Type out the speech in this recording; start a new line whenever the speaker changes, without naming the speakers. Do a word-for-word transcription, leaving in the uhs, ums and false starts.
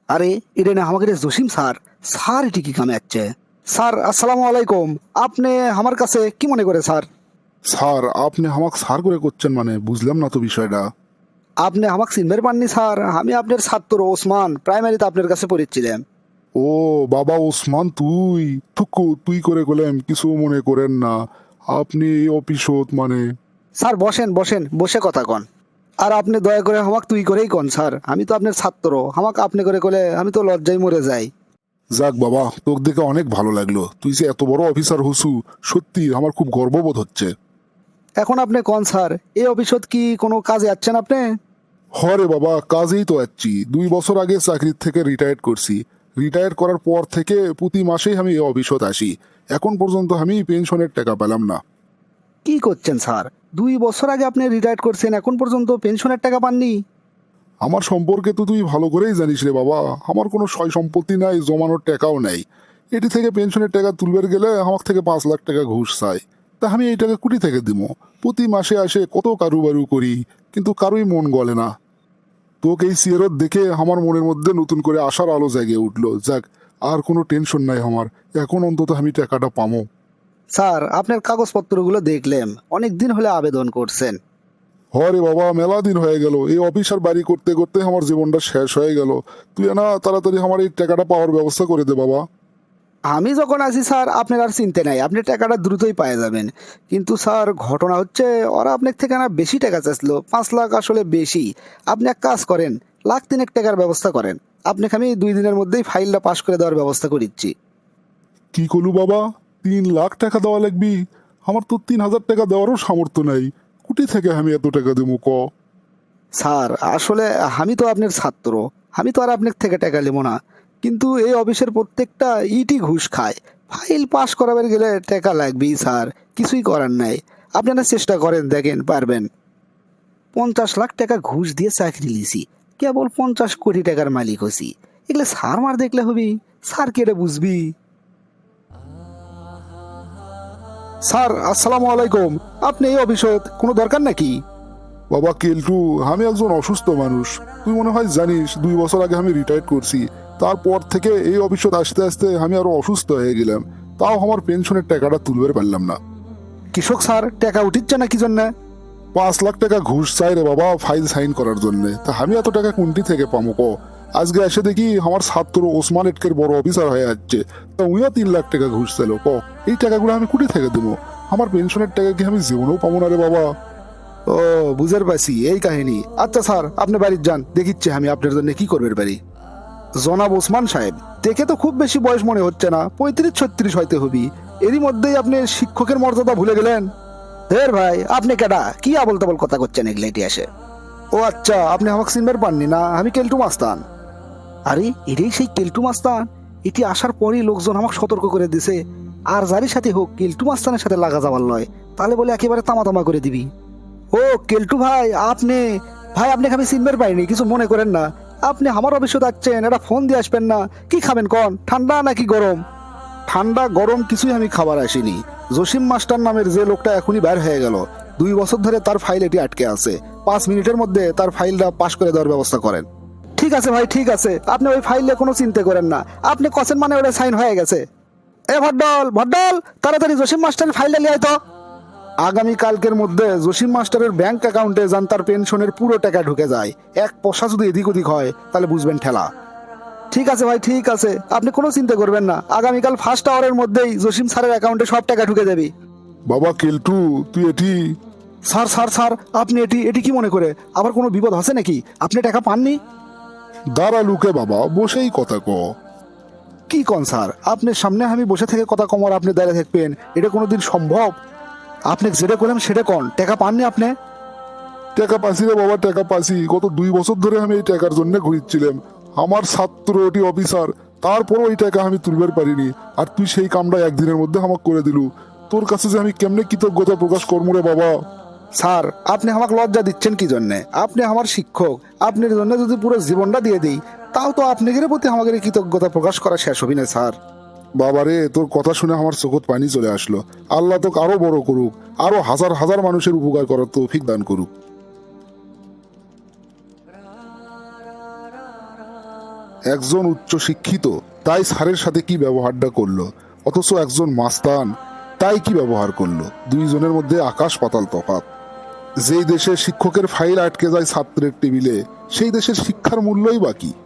আরে এটা না আমাকে রে জসিম স্যার। স্যার এটি কি কামে যাচ্ছে? স্যার আসসালামু আলাইকুম। আপনি আমার কাছে কি মনে করে স্যার?
স্যার, আপনি আমাকে স্যার করে করছেন মানে বুঝলাম না তো বিষয়টা।
আপনি আমাকে চিনবার পাননি স্যার? আমি আপনার ছাত্র ওসমান, প্রাইমারিতে আপনার কাছে পড়েছিলাম।
ও বাবা ওসমান, তুই থুকু তুই করে গেলেন, কিছু মনে করেন না। আপনি এই অফিসত মানে।
স্যার বসেন বসেন, বসে কথা কন। আর আপনি দয়া করে আমাকে তুই করেই কন স্যার, আমি তো আপনার ছাত্র। আমাকে আপনি করে কলে আমি তো লজ্জায় মরে যাই।
যাক বাবা, তোকে দেখে অনেক ভালো লাগলো। তুই যে এত বড় অফিসার হসু, সত্যি আমার খুব গর্ববোধ হচ্ছে।
এখন আপনি কন স্যার, এই অফিসত কি কোনো কাজে যাচ্ছেন আপনি?
হরে বাবা, কাজেই তো যাচ্ছি। দুই বছর আগে চাকরির থেকে রিটায়ার করছি। রিটায়ার করার পর থেকে প্রতি মাসেই আমি এই অফিসত আসি। এখন পর্যন্ত আমি পেনশনের টাকা পেলাম না।
কি করছেন স্যার? দুই বছর আগে আপনি রিটায়ার করছেন, এখন পর্যন্ত পেনশনের টাকা পাননি?
আমার সম্পর্কে তো তুই ভালো করেই জানিস রে বাবা। আমার কোনো সয় সম্পত্তি নাই, জমানোর টাকাও নাই। এটি থেকে পেনশনের টাকা তুলবার গেলে আমার থেকে পাঁচ লাখ টাকা ঘুষ চাই। তা আমি এই টাকা কুটি থেকে দিব? প্রতি মাসে আসে কত কারুবারু করি, কিন্তু কারোই মন গলে না। তোকে এই সিয়ারত দেখে আমার মনের মধ্যে নতুন করে আশার আলো জেগে উঠলো। যাক, আর কোনো টেনশন নাই আমার। এখন অন্তত আমি টাকাটা পামো।
স্যার আপনার কাগজপত্রগুলো দেখলাম, অনেক দিন হলে আবেদন করছেন।
হরে বাবা, মেলা দিন হয়ে গেল। এই অফিস আর বাড়ি করতে করতে আমার জীবনটা শেষ হয়ে গেল। তুই না তাড়াতাড়ি আমার এই টাকাটা পাওয়ার ব্যবস্থা করে দে বাবা।
আমি যখন আছি স্যার, আপনার আর চিনতে নাই, আপনি টাকাটা দ্রুতই পায়ে যাবেন। কিন্তু স্যার ঘটনা হচ্ছে, ওরা আপনার থেকে না বেশি টাকা চাইছিল, পাঁচ লাখ আসলে বেশি। আপনি এক কাজ করেন, লাখ তিনেক টাকার ব্যবস্থা করেন। আপনাকে আমি দুই দিনের মধ্যেই ফাইলটা পাস করে দেওয়ার ব্যবস্থা করে দিচ্ছি।
কি করলু বাবা? তিন লাখ টাকা দেওয়া লাগবি? আমার তো তিন হাজার টাকা দেওয়ারও সামর্থ্য নাই। কুটি থেকে আমি এত টাকা দেবো ক?
স্যার আসলে আমি তো আপনার ছাত্র, আমি তো আর আপনার থেকে টাকা নেবো না। কিন্তু এই অফিসের প্রত্যেকটা ইটি ঘুষ খায়। ফাইল পাস করাবার গেলে টাকা লাগবেই স্যার, কিছুই করার নাই। আপনারা চেষ্টা করেন, দেখেন পারবেন। পঞ্চাশ লাখ টাকা ঘুষ দিয়ে চাকরি লিছি, কেবল পঞ্চাশ কোটি টাকার মালিক হছি। এগুলো স্যার মার দেখলে হবি? স্যার কে এটা বুঝবি? স্যার আসসালামু আলাইকুম। আপনি এই অফিসত কোনো দরকার নাকি?
বাবা কেলটু, আমি একজন অসুস্থ মানুষ। তুই মনে হয় জানিস, দুই বছর আগে আমি রিটায়ার করছি। তারপর থেকে এই অফিসত আসতে আসতে আমি আরো অসুস্থ হয়ে গেলাম। তাও আমার পেনশনের টাকাটা তুলবার পারলাম না।
কৃষক স্যার টাকা উঠিচ্ছে না কি জন্য?
পাঁচ লাখ টাকা ঘুষ চাই রে বাবা, ফাইল সাইন করার জন্য। তা আমি এত টাকা কোনটি থেকে পাবো ক? আজকে এসে দেখি আমার ছাত্র ওসমান এটকের বড় অফিসার হয়ে যাচ্ছে, তা উইও তিন লাখ টাকা ঘুষ চাইল ক? এই টাকাগুলো আমি কুটি থেকে দেবো? আমার পেনশনের টাকা কি আমি জীবনেও পাবো না রে বাবা।
ও, বুঝতে পারছি এই কাহিনী। আচ্ছা স্যার আপনি বাড়ির যান, দেখিচ্ছি আমি আপনার জন্য কি করবেন বাড়ি। জনাব ওসমান সাহেব, দেখে তো খুব বেশি বয়স মনে হচ্ছে না, পঁয়ত্রিশ ছত্রিশ হইতে হবি। এরই মধ্যেই আপনি শিক্ষকের মর্যাদা ভুলে গেলেন। ধের ভাই, আপনি কেডা? কি আবল তাবল কথা করছেন এগুলো এটি আসে? ও আচ্ছা, আপনি আমাকে চিনবার পাননি না? আমি কেলটু মাস্তান। আরে এটাই সেই কেলটু মাস্তান। এটি আসার পরেই লোকজন আমাকে সতর্ক করে দিছে, আর যারই সাথে হোক কেলটু মাস্তানের সাথে লাগা যাবার নয়, তাহলে বলে একেবারে তামা তামা করে দিবি। ও কেলটু ভাই, আপনি? ভাই আপনাকে আমি চিনবার পাইনি, কিছু মনে করেন না। আপনি আমার অফিসে যাচ্ছেন, এটা ফোন দিয়ে আসবেন না? কি খাবেন কন, ঠান্ডা নাকি গরম? ঠান্ডা গরম কিছুই আমি খাবার আসিনি। জসিম মাস্টার নামের যে লোকটা এখনই বের হয়ে গেল, দুই বছর ধরে তার ফাইল এটি আটকে আছে। পাঁচ মিনিটের মধ্যে তার ফাইলটা পাস করে দেওয়ার ব্যবস্থা করেন। ঠিক আছে ভাই, ঠিক আছে, আপনি ওই ফাইলে কোনো চিন্তা করেন না। আপনি কছেন মানে ওটা সাইন হয়ে গেছে। এ ভড্ডল ভড্ডল, তাড়াতাড়ি জসিম মাস্টারের ফাইলটা লিয়ে আয় তো। আগামী কালকের মধ্যে জসিম মাস্টারের ব্যাংক অ্যাকাউন্টে যান তার পেনশনের পুরো টাকা ঢুকে যায়। এক পয়সা যদি এদিক ওদিক হয় তাহলে বুঝবেন ঠেলা। ঠিক আছে ভাই, ঠিক আছে, আপনি কোনো চিন্তা করবেন না। আগামীকাল ফার্স্ট আওয়ারের মধ্যেই জসিম স্যারের অ্যাকাউন্টে সব টাকা ঢুকে যাবে।
বাবা কেলটু, তুই এটি।
স্যার স্যার স্যার, আপনি এটি এটি কি মনে করে? আবার কোনো বিপদ আছে নাকি? আপনি টাকা পাননি?
দাঁড়া লুকে বাবা, বসেই কথা ক।
কি কন স্যার? আপনার সামনে আমি বসে থেকে কথা কম আর আপনি দাঁড়িয়ে থাকবেন, এটা কোনোদিন সম্ভব? আপনি যেটা করলাম সেটা কন, টাকা পাননি আপনি?
টাকা পাসি রে বাবা, টাকা পাসি। গত দুই বছর ধরে আমি এই টাকার জন্য ঘুরছিলাম। আমার ছাত্র ওটি অফিসার, তারপরও এই টাকা আমি তুলবার পারিনি। আর তুই সেই কামটা একদিনের মধ্যে আমাকে করে দিলু। তোর কাছে যে আমি কেমনে কৃতজ্ঞতা প্রকাশ করবো রে বাবা।
স্যার আপনি আমাকে লজ্জা দিচ্ছেন কি জন্যে? আপনি আমার শিক্ষক, আপনার জন্য যদি পুরো জীবনটা দিয়ে দিই, তাও তো আপনাদের প্রতি আমাদের কৃতজ্ঞতা প্রকাশ করা শেষ হবি না স্যার।
বাবারে, তোর কথা শুনে আমার চোখত পানি চলে আসলো। আল্লাহ তোকে আরো বড় করুক, আরো হাজার হাজার মানুষের উপকার করার তৌফিক দান করুক। একজন উচ্চ শিক্ষিত তাই স্যারের সাথে কি ব্যবহারটা করলো, অথচ একজন মাস্তান তাই কি ব্যবহার করলো। দুইজনের মধ্যে আকাশ পাতাল তফাৎ। যেই দেশে শিক্ষকের ফাইল আটকে যায় ছাত্রের টেবিলে, সেই দেশের শিক্ষার মূল্যই বাকি।